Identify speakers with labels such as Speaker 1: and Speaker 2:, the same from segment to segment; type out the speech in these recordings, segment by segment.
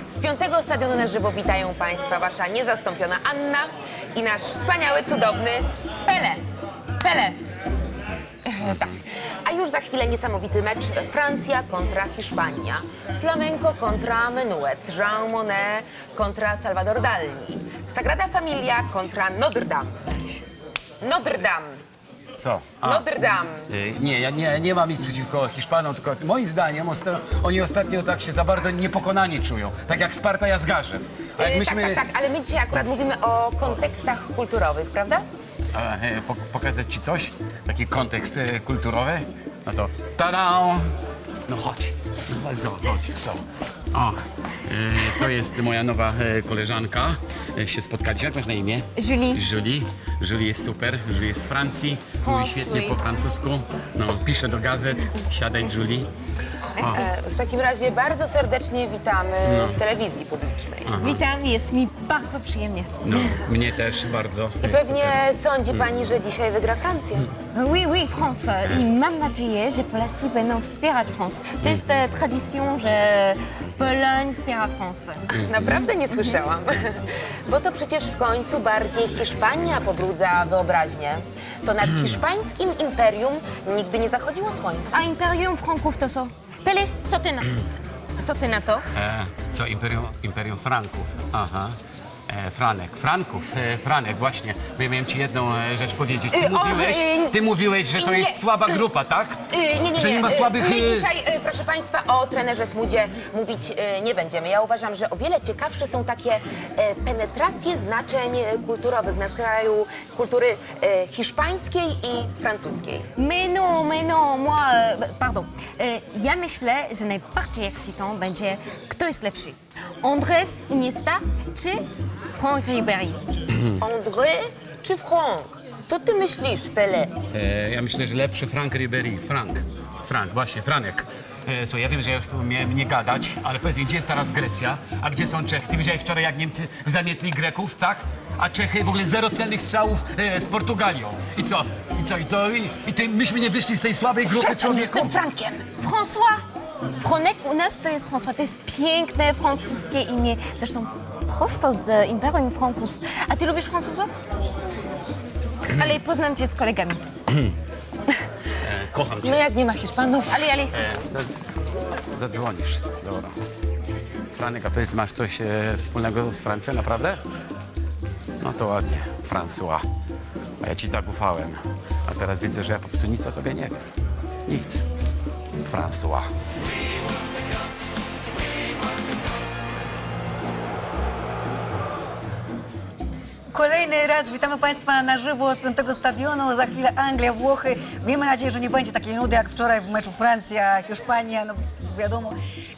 Speaker 1: Z 5. Stadionu na żywo witają Państwa wasza niezastąpiona Anna i nasz wspaniały, cudowny Pele. Pele. Tak. A już za chwilę niesamowity mecz Francja kontra Hiszpania. Flamenco kontra Menuet. Jean Monnet kontra Salvador Dali. Sagrada Familia kontra Notre Dame. Notre Dame.
Speaker 2: Co?
Speaker 1: Notre Dame.
Speaker 2: Nie, ja nie mam nic przeciwko Hiszpanom, tylko moim zdaniem oni ostatnio tak się za bardzo niepokonani czują. Tak jak Sparta Jazgarzew. A jak myśmy...
Speaker 1: Tak, ale my dzisiaj akurat mówimy o kontekstach kulturowych, prawda?
Speaker 2: Pokazać ci coś? Taki kontekst kulturowy? No to tada! No chodź. No chodź. To. O, to jest moja nowa koleżanka. Się spotkaliśmy. Jak masz na imię?
Speaker 3: Julie.
Speaker 2: Julie jest super. Julie jest z Francji. Mówi świetnie po francusku. No, pisze do gazet. Siadaj, Julie.
Speaker 1: W takim razie bardzo serdecznie witamy w telewizji publicznej.
Speaker 3: Witam, jest mi bardzo przyjemnie.
Speaker 2: No, mnie też bardzo.
Speaker 1: I pewnie sądzi pani, że dzisiaj wygra Francja.
Speaker 3: Oui, France. I mam nadzieję, że Polacy będą wspierać France. To jest tradycja, że Poloń wspiera France.
Speaker 1: Naprawdę nie słyszałam. Bo to przecież w końcu bardziej Hiszpania pobrudza wyobraźnię. To nad hiszpańskim imperium nigdy nie zachodziło słońce.
Speaker 3: A Imperium Franków to co? Pele, co ty na to?
Speaker 2: Co? Imperium Franków. Aha. Franek, właśnie. Bo ja miałem ci jedną rzecz powiedzieć. Ty mówiłeś, że to jest słaba grupa, tak?
Speaker 1: Nie.
Speaker 2: Że nie ma słabych...
Speaker 1: My dzisiaj, proszę państwa, o trenerze Smudzie mówić nie będziemy. Ja uważam, że o wiele ciekawsze są takie penetracje znaczeń kulturowych na skraju kultury hiszpańskiej i francuskiej.
Speaker 3: Mais non, moi, pardon. Ja myślę, że najbardziej excitant będzie, kto jest lepszy. Andrés Iniesta czy Franck Ribéry?
Speaker 1: André czy Franck? Co ty myślisz, Pele?
Speaker 2: Ja myślę, że lepszy Franck Ribéry. Frank, właśnie, Franek. Słuchaj, ja wiem, że ja już tu miałem nie gadać, ale powiedz mi, gdzie jest teraz Grecja, a gdzie są Czechy? Ty widziałeś wczoraj, jak Niemcy zamietli Greków, tak? A Czechy w ogóle 0 celnych strzałów z Portugalią. I co? Myśmy nie wyszli z tej słabej grupy
Speaker 1: Przestań już z
Speaker 2: człowieków?
Speaker 1: tym Frankiem!
Speaker 3: François! Fronek u nas to jest François, to jest piękne francuskie imię. Zresztą prosto z Imperium Franków. A ty lubisz Francuzów? Ale poznam cię z kolegami.
Speaker 2: Kocham cię.
Speaker 1: No jak nie ma Hiszpanów?
Speaker 3: Ale.
Speaker 2: Zadzwonisz, dobra. Franek, a powiedz, masz coś wspólnego z Francją, naprawdę? No to ładnie, François. A ja ci tak ufałem. A teraz widzę, że ja po prostu nic o tobie nie wiem. Nic. François.
Speaker 4: Kolejny raz witamy Państwa na żywo z 5. Stadionu. Za chwilę Anglia, Włochy. Miejmy nadzieję, że nie będzie takiej nudy jak wczoraj w meczu Francja, Hiszpania, no wiadomo.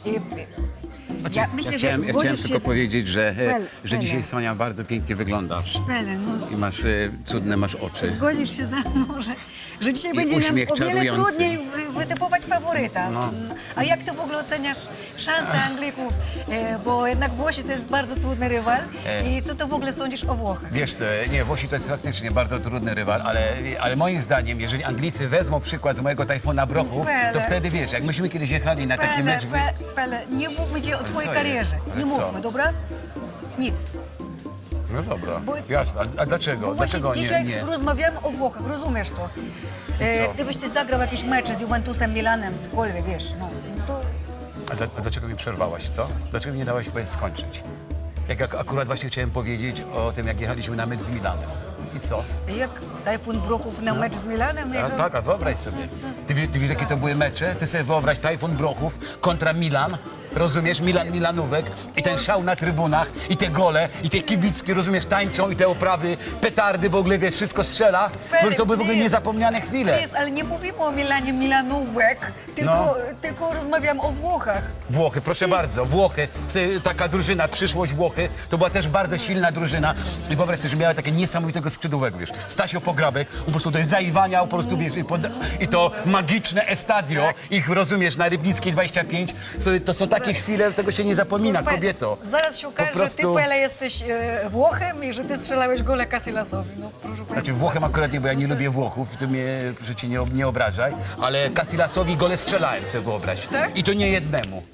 Speaker 4: Ja myślę, że
Speaker 2: chciałem
Speaker 4: zgodzisz
Speaker 2: tylko
Speaker 4: się
Speaker 2: powiedzieć, że
Speaker 4: Pele.
Speaker 2: dzisiaj, Sonia, bardzo pięknie wyglądasz.
Speaker 4: Pele, no,
Speaker 2: I masz cudne masz oczy.
Speaker 4: zgodzisz się ze mną, że dzisiaj
Speaker 2: I
Speaker 4: będzie nam
Speaker 2: uśmiech
Speaker 4: o wiele
Speaker 2: czarujący.
Speaker 4: trudniej wytypować faworyta.
Speaker 2: No.
Speaker 4: A jak ty w ogóle oceniasz szanse Anglików? Bo jednak Włosi to jest bardzo trudny rywal. I co ty w ogóle sądzisz o Włochach?
Speaker 2: Wiesz, Włosi to jest faktycznie bardzo trudny rywal, ale moim zdaniem, jeżeli Anglicy wezmą przykład z mojego Tajfuna Brochów, to
Speaker 4: Pele.
Speaker 2: wtedy wiesz, jak myśmy kiedyś jechali na taki mecz...
Speaker 4: Pele, nie mówmy cię o twojej
Speaker 2: co
Speaker 4: karierze.
Speaker 2: jest?
Speaker 4: Nie
Speaker 2: Ale co?
Speaker 4: mówmy, dobra? Nic.
Speaker 2: No dobra,
Speaker 4: Bo-
Speaker 2: jasne, a dlaczego?
Speaker 4: Bo właśnie
Speaker 2: Dlaczego
Speaker 4: dzisiaj
Speaker 2: nie?
Speaker 4: rozmawiamy o Włochach, rozumiesz to?
Speaker 2: co?
Speaker 4: Gdybyś ty zagrał jakieś mecze z Juventusem, Milanem, cokolwiek, wiesz, no to...
Speaker 2: A dlaczego mi przerwałaś, co? Dlaczego mi nie dałaś skończyć? Jak akurat właśnie chciałem powiedzieć o tym, jak jechaliśmy na mecz z Milanem. I co?
Speaker 4: Jak Tajfun Brochów na mecz z Milanem?
Speaker 2: A
Speaker 4: jechał?
Speaker 2: tak, a wyobraź sobie. Ty wiesz, jakie to były mecze? Ty sobie wyobraź Tajfun Brochów kontra Milan. Rozumiesz? Milanówek i ten szał na trybunach i te gole i te kibicki, rozumiesz, tańczą i te oprawy, petardy w ogóle, wiesz, wszystko strzela. To były w ogóle niezapomniane chwile.
Speaker 4: Jest, ale nie mówimy o Milanie Milanówek, tylko rozmawiam o Włochach.
Speaker 2: Włochy, proszę bardzo, Włochy, taka drużyna, przyszłość Włochy, to była też bardzo silna drużyna i wyobraź sobie, że miała takie niesamowitego skrzydłowego, wiesz, Stasio Pograbek, po prostu to jest zaiwania, po prostu, wiesz, i to magiczne estadio, ich, rozumiesz, na Rybnickiej 25, to są takie chwile, tego się nie zapomina,
Speaker 4: Proszę
Speaker 2: kobieto.
Speaker 4: państwa, zaraz się okaże,
Speaker 2: Po prostu-
Speaker 4: że ty, Pele, jesteś Włochem i że ty strzelałeś gole Casilasowi. No, proszę państwa.
Speaker 2: Znaczy Włochem akurat nie, bo ja nie lubię Włochów, ty mnie, proszę cię, nie obrażaj, ale Casilasowi gole strzelałem, sobie wyobraź.
Speaker 4: Tak?
Speaker 2: I to nie jednemu.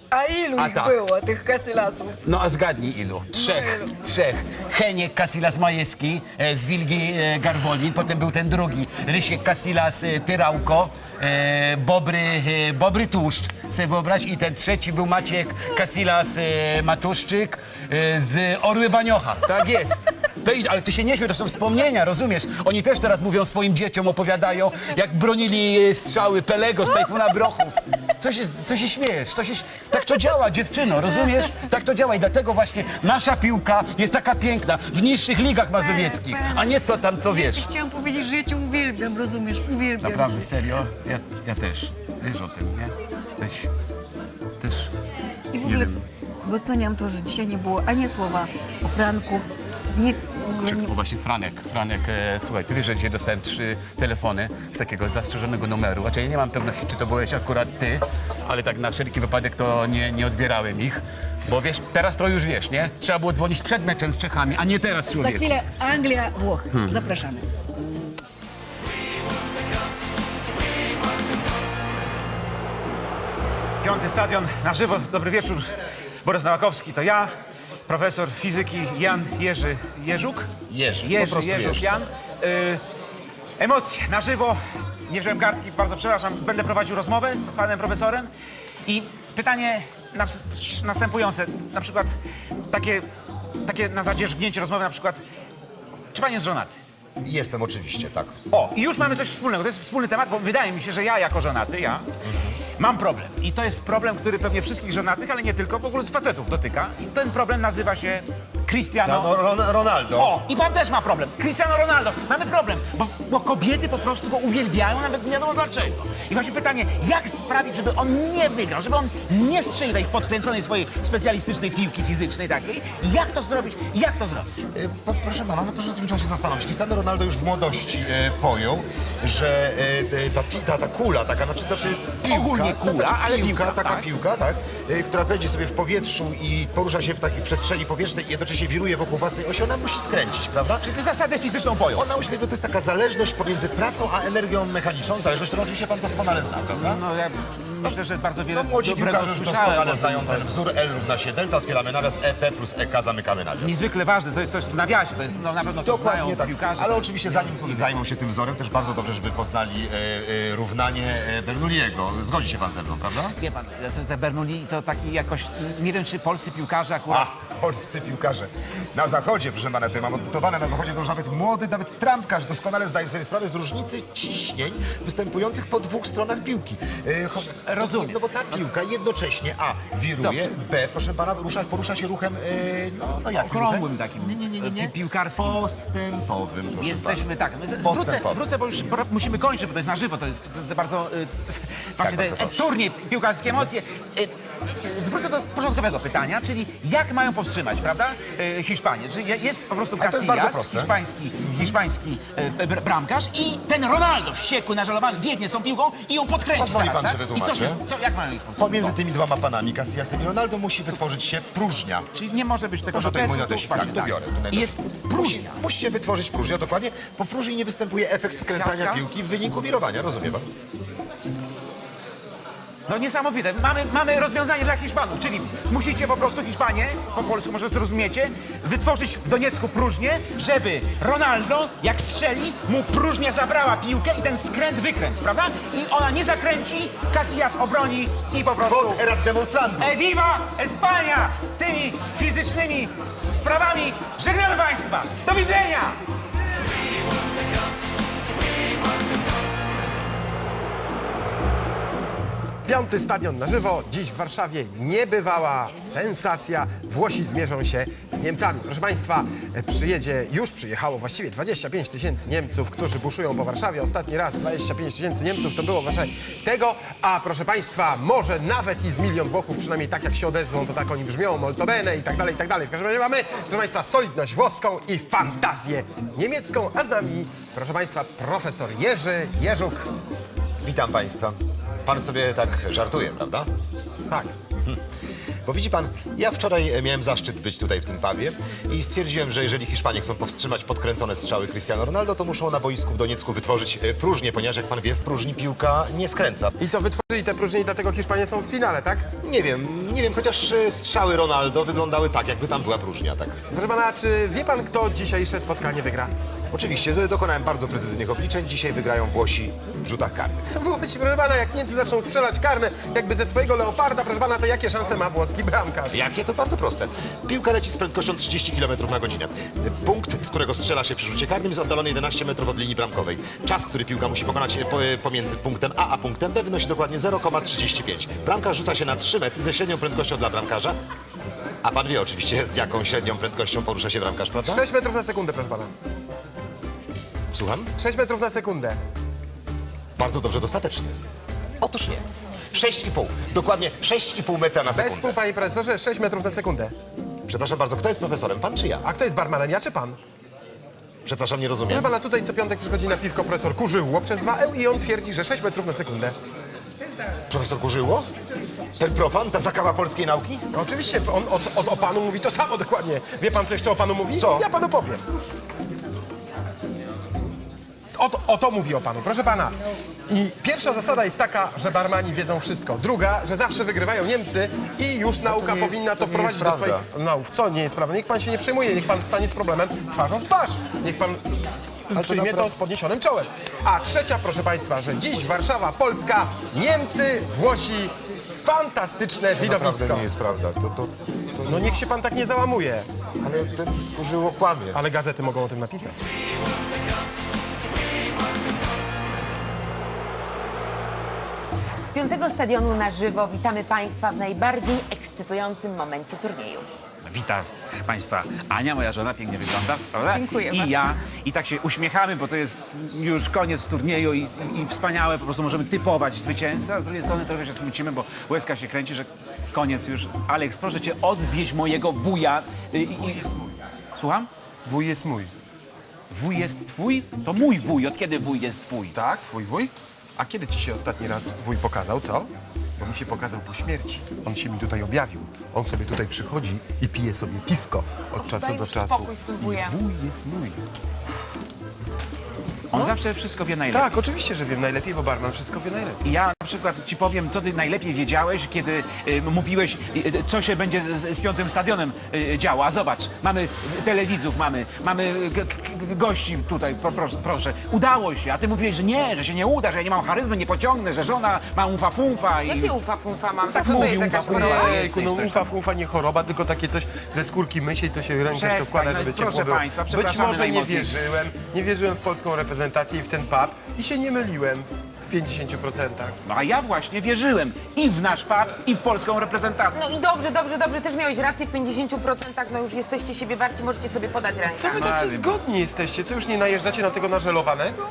Speaker 4: A ilu
Speaker 2: A
Speaker 4: ich
Speaker 2: tak.
Speaker 4: było, tych Casillasów?
Speaker 2: No a zgadnij ilu? Trzech. Heniek Casillas Majewski z Wilgi Garwolin, potem był ten drugi, Rysiek Casillas Tyrałko, Bobry Tłuszcz, sobie wyobraź, i ten trzeci był Maciek Casillas Matuszczyk z Orły Baniocha, tak jest. Ale ty się nie śmiej, to są wspomnienia, rozumiesz? Oni też teraz mówią swoim dzieciom, opowiadają, jak bronili strzały Pelego z Tajfuna Brochów. Co się śmiejesz? Tak to działa, dziewczyno, rozumiesz? Tak to działa i dlatego właśnie nasza piłka jest taka piękna w niższych ligach mazowieckich, a nie to tam, co wiesz.
Speaker 4: Chciałam powiedzieć, że ja cię uwielbiam, rozumiesz? Uwielbiam
Speaker 2: Naprawdę,
Speaker 4: cię.
Speaker 2: serio? Ja też. Wiesz o tym, nie? Też.
Speaker 4: I w
Speaker 2: Nie
Speaker 4: ogóle
Speaker 2: wiem.
Speaker 4: doceniam to, że dzisiaj nie było ani słowa o Franku, nic w ogóle nie...
Speaker 2: O właśnie Franek, słuchaj, ty wiesz, że dzisiaj dostałem 3 telefony z takiego zastrzeżonego numeru. Znaczy ja nie mam pewności, czy to byłeś akurat ty, ale tak na wszelki wypadek to nie odbierałem ich. Bo wiesz, teraz to już wiesz, nie? Trzeba było dzwonić przed meczem z Czechami, a nie teraz,
Speaker 4: Za
Speaker 2: człowieku.
Speaker 4: chwilę Anglia, Włochy. Zapraszamy.
Speaker 5: Piąty Stadion na żywo. Dobry wieczór. Borys Nowakowski to ja, profesor fizyki Jan Jerzy Jerzuk.
Speaker 6: Jerzy, po prostu Jerzy.
Speaker 5: Jan. Emocje na żywo. Nie wziąłem kartki, bardzo przepraszam. Będę prowadził rozmowę z panem profesorem. I pytanie następujące. Na przykład takie na zadzierzgnięcie rozmowy, na przykład, czy pan jest żonaty?
Speaker 6: Jestem oczywiście, tak.
Speaker 5: O, i już mamy coś wspólnego. To jest wspólny temat, bo wydaje mi się, że ja jako żonaty, mam problem. I to jest problem, który pewnie wszystkich żonatych, ale nie tylko, w ogóle z facetów dotyka. I ten problem nazywa się Cristiano...
Speaker 6: Ronaldo.
Speaker 5: O, i pan też ma problem. Cristiano Ronaldo. Mamy problem, bo kobiety po prostu go uwielbiają, nawet nie wiadomo dlaczego. I właśnie pytanie, jak sprawić, żeby on nie wygrał, żeby on nie strzelił tej podkręconej swojej specjalistycznej piłki fizycznej takiej. Jak to zrobić? Jak to zrobić?
Speaker 6: Proszę pana, no proszę, tym trzeba się zastanowić. Cristiano Ronaldo już w młodości pojął, że ta kula, taka, znaczy piłka,
Speaker 5: Ogólnie kula, ale piłka,
Speaker 6: taka
Speaker 5: tak.
Speaker 6: piłka, tak, która będzie sobie w powietrzu i porusza się w takiej przestrzeni powietrznej i jednocześnie wiruje wokół własnej osi, ona musi skręcić, prawda?
Speaker 5: Czy ty zasadę fizyczną pojął?
Speaker 6: Ona musi, bo to jest taka zależność pomiędzy pracą a energią mechaniczną, zależność, którą oczywiście pan doskonale zna, prawda?
Speaker 5: No ja myślę, że bardzo wiele
Speaker 6: No, młodzi
Speaker 5: dobrego
Speaker 6: piłkarze już
Speaker 5: słyszałem.
Speaker 6: doskonale
Speaker 5: o
Speaker 6: znają
Speaker 5: tym.
Speaker 6: ten wzór L równa się delta, otwieramy nawias, EP plus EK, zamykamy nawias.
Speaker 5: Niezwykle ważne, to jest coś w nawiasie, to jest, no na pewno to
Speaker 6: Dokładnie
Speaker 5: znają
Speaker 6: tak,
Speaker 5: piłkarze.
Speaker 6: ale
Speaker 5: to
Speaker 6: oczywiście zanim zajmą się tym wzorem, też bardzo dobrze, żeby poznali równanie Bernoulliego. Zgodzi się pan ze mną, prawda?
Speaker 5: Wie pan, te Bernoulli to taki jakoś, nie wiem czy polscy piłkarze akurat...
Speaker 6: Polscy piłkarze. Na zachodzie, proszę pana, tutaj mam odnotowane, na zachodzie to już nawet młody, nawet trampkarz doskonale zdaje sobie sprawę z różnicy ciśnień występujących po dwóch stronach piłki.
Speaker 5: Rozumiem.
Speaker 6: No bo ta piłka jednocześnie wiruje,
Speaker 5: Dobrze.
Speaker 6: B, proszę pana, porusza się ruchem, no jakim
Speaker 5: Okrągłym
Speaker 6: ruchem?
Speaker 5: takim,
Speaker 6: Nie.
Speaker 5: piłkarskim.
Speaker 6: Postępowym, proszę
Speaker 5: Jesteśmy, tak,
Speaker 6: Postępowy.
Speaker 5: wrócę, bo już musimy kończyć, bo to jest na żywo, to jest bardzo, właśnie
Speaker 6: bardzo
Speaker 5: te
Speaker 6: proszę.
Speaker 5: turniej, piłkarskie emocje. Zwrócę do porządkowego pytania, czyli jak mają powstrzymać, prawda, Hiszpanię? Czyli jest po prostu
Speaker 6: to jest bardzo
Speaker 5: Casillas,
Speaker 6: proste.
Speaker 5: hiszpański bramkarz i ten Ronaldo wściekły, nażalowany, biegnie z tą piłką i ją podkręci
Speaker 6: Pozwoli
Speaker 5: zaraz,
Speaker 6: pan,
Speaker 5: tak?
Speaker 6: że
Speaker 5: I
Speaker 6: wytłumaczę.
Speaker 5: jak mają ich powstrzymać?
Speaker 6: Pomiędzy tymi dwoma panami, Casillasem i Ronaldo, musi wytworzyć się próżnia.
Speaker 5: Czyli nie może być tego
Speaker 6: Proszę tutaj mój
Speaker 5: notesu,
Speaker 6: notesik,
Speaker 5: właśnie
Speaker 6: tak, tu biorę. Tu
Speaker 5: I jest próżnia.
Speaker 6: Musi się wytworzyć próżnia, dokładnie. Po próżni nie występuje efekt skręcania
Speaker 5: Siatka?
Speaker 6: piłki w wyniku wirowania, rozumie pan?
Speaker 5: No niesamowite. Mamy rozwiązanie dla Hiszpanów, czyli musicie po prostu Hiszpanię, po polsku może zrozumiecie, wytworzyć w Doniecku próżnię, żeby Ronaldo, jak strzeli, mu próżnia zabrała piłkę i ten wykręt, prawda? I ona nie zakręci, Casillas obroni i po prostu...
Speaker 6: Quod erat demonstrandum.
Speaker 5: Viva Espania! Tymi fizycznymi sprawami żegnamy Państwa! Do widzenia!
Speaker 7: Piąty Stadion na żywo. Dziś w Warszawie niebywała sensacja. Włosi zmierzą się z Niemcami. Proszę Państwa, już przyjechało właściwie 25 tysięcy Niemców, którzy buszują po Warszawie. Ostatni raz 25 tysięcy Niemców to było w Warszawie tego, a proszę Państwa, może nawet i z milion Włochów, przynajmniej tak jak się odezwą, to tak oni brzmią, molto bene i tak dalej, i tak dalej. W każdym razie mamy, proszę Państwa, solidność włoską i fantazję niemiecką, a z nami, proszę Państwa, profesor Jerzy Jerzuk.
Speaker 6: Witam państwa. Pan sobie tak żartuje, prawda?
Speaker 7: Tak.
Speaker 6: Bo widzi pan, ja wczoraj miałem zaszczyt być tutaj w tym pubie i stwierdziłem, że jeżeli Hiszpanie chcą powstrzymać podkręcone strzały Cristiano Ronaldo, to muszą na boisku w Doniecku wytworzyć próżnię, ponieważ jak pan wie, w próżni piłka nie skręca.
Speaker 7: I co, wytworzyli niezawodite próżnie i dlatego Hiszpanie są w finale, tak?
Speaker 6: Nie wiem, chociaż strzały Ronaldo wyglądały tak, jakby tam była próżnia, tak?
Speaker 7: Proszę pana, czy wie pan, kto dzisiejsze spotkanie wygra?
Speaker 6: Oczywiście, dokonałem bardzo precyzyjnych obliczeń. Dzisiaj wygrają Włosi w rzutach karnych.
Speaker 7: Włosi, proszę pana, jak Niemcy zaczną strzelać karne, jakby ze swojego leoparda, proszę pana, to jakie szanse ma włoski bramkarz?
Speaker 6: Jakie? To bardzo proste. Piłka leci z prędkością 30 km na godzinę. Punkt, z którego strzela się przy rzucie karnym, jest oddalony 11 metrów od linii bramkowej. Czas, który piłka musi pokonać pomiędzy punktem A a punktem B, wynosi dokładnie 0,35. Bramkarz rzuca się na 3 metry ze średnią prędkością dla bramkarza. A pan wie oczywiście, z jaką średnią prędkością porusza się bramkarz, prawda?
Speaker 7: 6 metrów na sekundę, proszę pana.
Speaker 6: Słucham?
Speaker 7: 6 metrów na sekundę.
Speaker 6: Bardzo dobrze, dostatecznie. Otóż nie. 6,5. Dokładnie 6,5 metra na
Speaker 7: Bez
Speaker 6: sekundę.
Speaker 7: pół, panie profesorze, 6 metrów na sekundę.
Speaker 6: Przepraszam bardzo, kto jest profesorem? Pan czy ja?
Speaker 7: A kto jest barmanem, ja czy pan?
Speaker 6: Przepraszam, nie rozumiem.
Speaker 7: Proszę pana, tutaj co piątek przychodzi na piwko profesor Kurzyło przez 2 i on twierdzi, że 6 metrów na sekundę.
Speaker 6: Profesor Kurzyło? Ten profan? Ta zakawa polskiej nauki?
Speaker 7: No oczywiście, on o panu mówi to samo dokładnie. Wie pan, co jeszcze o panu mówi?
Speaker 6: Co?
Speaker 7: Ja panu powiem. O to mówi o panu, proszę pana. I pierwsza zasada jest taka, że barmani wiedzą wszystko. Druga, że zawsze wygrywają Niemcy i już nauka
Speaker 6: nie jest-
Speaker 7: powinna
Speaker 6: to
Speaker 7: to
Speaker 6: nie
Speaker 7: wprowadzić
Speaker 6: jest
Speaker 7: do swoich nauk. Co nie jest prawda? Niech pan się nie przejmuje, niech pan stanie z problemem twarzą w twarz. Niech pan przyjmie to z podniesionym czołem. A trzecia, proszę państwa, że dziś Warszawa, Polska, Niemcy, Włosi, fantastyczne widowisko.
Speaker 6: nie jest prawda.
Speaker 7: No niech się pan tak nie załamuje.
Speaker 6: Ale ten Kurzyło kłamie.
Speaker 7: Ale gazety mogą o tym napisać.
Speaker 1: Z 5. stadionu na żywo witamy Państwa w najbardziej ekscytującym momencie turnieju.
Speaker 5: Witam Państwa. Ania, moja żona, pięknie wygląda, prawda?
Speaker 1: Dziękuję
Speaker 5: I
Speaker 1: bardzo.
Speaker 5: ja. I tak się uśmiechamy, bo to jest już koniec turnieju i wspaniałe, po prostu możemy typować zwycięzcę, a z drugiej strony trochę się smucimy, bo łezka się kręci, że koniec już. Aleks, proszę Cię, odwieź mojego wuja. Słucham?
Speaker 7: Wuj jest mój.
Speaker 5: Wuj jest Twój? To mój wuj. Od kiedy wuj jest Twój?
Speaker 7: Tak, twój wuj? A kiedy ci się ostatni raz wuj pokazał, co? Bo mi się pokazał po śmierci. On się mi tutaj objawił. On sobie tutaj przychodzi i pije sobie piwko od czasu
Speaker 1: Daj
Speaker 7: do
Speaker 1: już
Speaker 7: czasu.
Speaker 1: spokój z tym wujem.
Speaker 7: I wuj jest mój.
Speaker 5: On zawsze wszystko wie najlepiej.
Speaker 7: Tak, oczywiście, że wiem najlepiej, bo barman wszystko wie najlepiej.
Speaker 5: I ja na przykład ci powiem, co ty najlepiej wiedziałeś, kiedy mówiłeś, co się będzie z 5. stadionem działo. A zobacz, mamy telewidzów, mamy gości tutaj, proszę. Udało się, a ty mówiłeś, że nie, że się nie uda, że ja nie mam charyzmy, nie pociągnę, że żona ma umfa-funfa i...
Speaker 1: Jakie ufa-funfa mam?
Speaker 5: Tak
Speaker 1: Co to
Speaker 5: mówi,
Speaker 1: jest jakaś
Speaker 5: ufa-funfa.
Speaker 1: choroba?
Speaker 7: Ejku, no ufa nie choroba, tylko takie coś ze skórki mysiej, co się rękę w to
Speaker 5: Przestań,
Speaker 7: wkłada,
Speaker 5: no
Speaker 7: żeby
Speaker 5: i
Speaker 7: ciepło
Speaker 5: proszę
Speaker 7: było.
Speaker 5: państwa,
Speaker 7: Być
Speaker 5: przepraszamy
Speaker 7: może nie
Speaker 5: najmocniej.
Speaker 7: nie wierzyłem w polską reprezentację i w ten pub i się nie myliłem w 50%.
Speaker 5: No a ja właśnie wierzyłem i w nasz pub, i w polską reprezentację.
Speaker 1: No i dobrze, też miałeś rację w 50%, no już jesteście siebie warci, możecie sobie podać rękę.
Speaker 7: Co wy tacy zgodni jesteście? Co, już nie najeżdżacie na tego nażelowanego?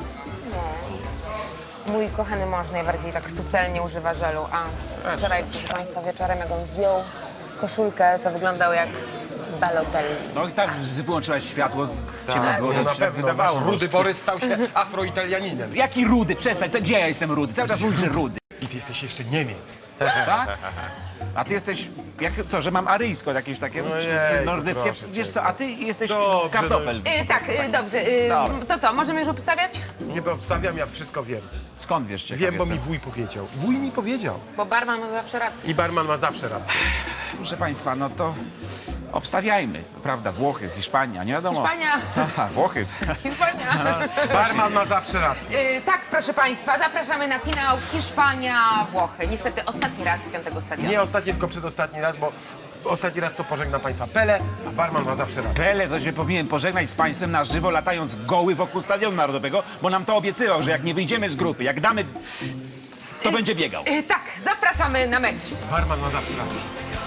Speaker 1: Mój kochany mąż najbardziej tak subtelnie używa żelu, a wczoraj, proszę Państwa, wieczorem jak on zdjął koszulkę, to wyglądał jak Balotelli.
Speaker 5: No i tak wyłączyłaś światło, ciemno było,
Speaker 7: No
Speaker 5: to
Speaker 7: na
Speaker 5: się tak
Speaker 7: pewno,
Speaker 5: wydawało.
Speaker 7: nasz Rudy Borys stał się afroitalianinem.
Speaker 5: Jaki rudy? Przestań, gdzie ja jestem rudy? Cały czas mówisz, że rudy.
Speaker 7: I ty jesteś jeszcze Niemiec.
Speaker 5: Tak? A ty jesteś, co, że mam aryjsko jakieś takie
Speaker 7: Ojej,
Speaker 5: nordyckie?
Speaker 7: proszę
Speaker 5: Wiesz
Speaker 7: cię.
Speaker 5: co, a ty jesteś
Speaker 7: Dobrze,
Speaker 5: kartofel.
Speaker 1: Dobrze, to co, możemy już obstawiać?
Speaker 7: Nie obstawiam, ja wszystko wiem.
Speaker 5: Skąd wiesz, ciekaw
Speaker 7: Wiem, bo
Speaker 5: jestem.
Speaker 7: mi wuj powiedział. Wuj mi powiedział.
Speaker 1: Bo barman ma zawsze rację.
Speaker 7: I barman ma zawsze rację.
Speaker 5: Proszę państwa, no to obstawiajmy, prawda? Włochy, Hiszpania, nie wiadomo.
Speaker 1: Hiszpania.
Speaker 5: Aha, Włochy.
Speaker 1: Hiszpania.
Speaker 7: Barman ma zawsze rację.
Speaker 1: Tak, proszę Państwa, zapraszamy na finał Hiszpania-Włochy. Niestety ostatni raz z 5. stadionu.
Speaker 7: Nie ostatni, tylko przedostatni raz, bo ostatni raz to pożegna państwa Pele, a barman ma zawsze rację.
Speaker 5: Pele to się powinien pożegnać z państwem na żywo, latając goły wokół Stadionu Narodowego, bo nam to obiecywał, że jak nie wyjdziemy z grupy, jak damy, to będzie biegał.
Speaker 1: Tak, zapraszamy na mecz.
Speaker 7: Barman ma zawsze rację.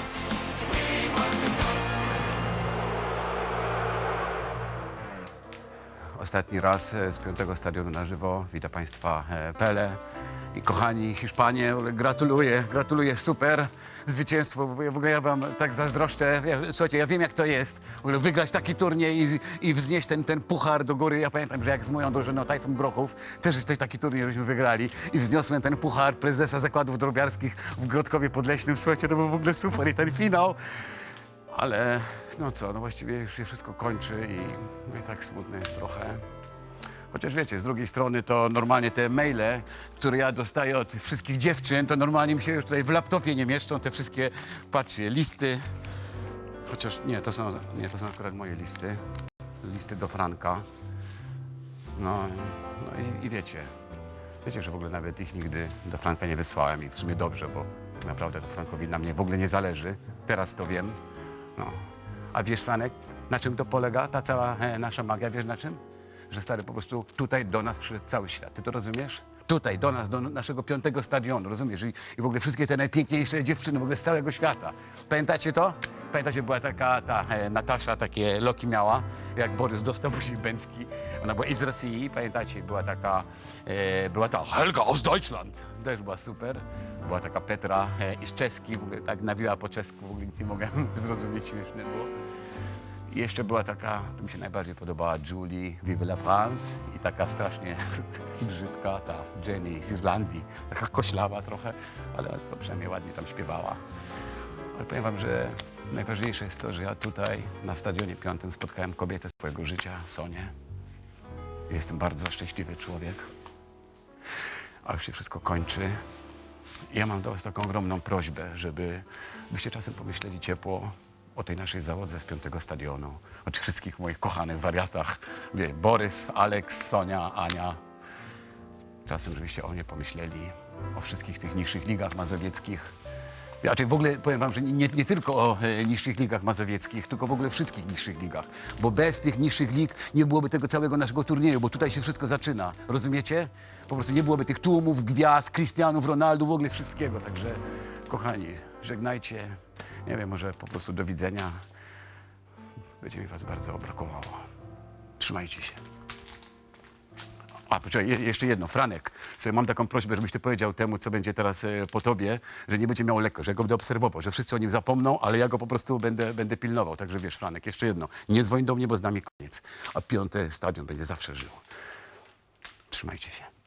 Speaker 2: Ostatni raz z 5. stadionu na żywo. Witam Państwa Pele i kochani Hiszpanie. Gratuluję, super zwycięstwo. W ogóle ja wam tak zazdroszczę. Słuchajcie, ja wiem jak to jest. W ogóle wygrać taki turniej i wznieść ten puchar do góry. Ja pamiętam, że jak z moją drużyną Tajfun Brochów też taki turniej żeśmy wygrali i wzniosłem ten puchar prezesa zakładów drobiarskich w Grodkowie Podleśnym. Słuchajcie, to był w ogóle super i ten finał. Ale no co, no właściwie już się wszystko kończy i tak smutne jest trochę. Chociaż wiecie, z drugiej strony to normalnie te maile, które ja dostaję od wszystkich dziewczyn, to normalnie mi się już tutaj w laptopie nie mieszczą, te wszystkie, patrzcie, listy. Chociaż nie, to są akurat moje listy. Listy do Franka. No i wiecie, że w ogóle nawet ich nigdy do Franka nie wysłałem i w sumie dobrze, bo tak naprawdę to Frankowi na mnie w ogóle nie zależy. Teraz to wiem. No. A wiesz, Franek, na czym to polega, ta cała nasza magia, wiesz na czym? Że stary po prostu tutaj do nas przyszedł cały świat. Ty to rozumiesz? Tutaj, do nas, do naszego 5. stadionu, rozumiesz? I w ogóle wszystkie te najpiękniejsze dziewczyny w ogóle z całego świata. Pamiętacie to? Pamiętacie, była taka Natasza, takie loki miała, jak Borys dostał później Bęcki. Ona była i z Rosji, pamiętacie, była ta Helga aus Deutschland, też była super. Była taka Petra i z czeski, w ogóle tak nawiła po czesku, w ogóle nic nie mogłem zrozumieć, śmieszne było. I jeszcze była taka, to mi się najbardziej podobała, Julie Vive la France i taka strasznie brzydka, ta Jenny z Irlandii, taka koślawa trochę, ale to przynajmniej ładnie tam śpiewała. Ale powiem wam, że najważniejsze jest to, że ja tutaj na Stadionie 5 spotkałem kobietę swojego życia, Sonię. Jestem bardzo szczęśliwy człowiek, a już się wszystko kończy. I ja mam do was taką ogromną prośbę, żebyście czasem pomyśleli ciepło o tej naszej załodze z 5 stadionu, o tych wszystkich moich kochanych wariatach, Borys, Aleks, Sonia, Ania. Czasem, żebyście o mnie pomyśleli, o wszystkich tych niższych ligach mazowieckich. Raczej w ogóle powiem wam, że nie tylko o niższych ligach mazowieckich, tylko w ogóle wszystkich niższych ligach. Bo bez tych niższych lig nie byłoby tego całego naszego turnieju, bo tutaj się wszystko zaczyna. Rozumiecie? Po prostu nie byłoby tych tłumów, gwiazd, Cristianów, Ronaldo, w ogóle wszystkiego. Także, kochani, żegnajcie. Nie wiem, może po prostu do widzenia. Będzie mi was bardzo brakowało. Trzymajcie się. A, poczekaj, jeszcze jedno. Franek, sobie mam taką prośbę, żebyś ty powiedział temu, co będzie teraz po tobie, że nie będzie miał lekko, że ja go będę obserwował, że wszyscy o nim zapomną, ale ja go po prostu będę pilnował. Także wiesz, Franek, jeszcze jedno. Nie dzwoń do mnie, bo z nami koniec. A 5 stadion będzie zawsze żył. Trzymajcie się.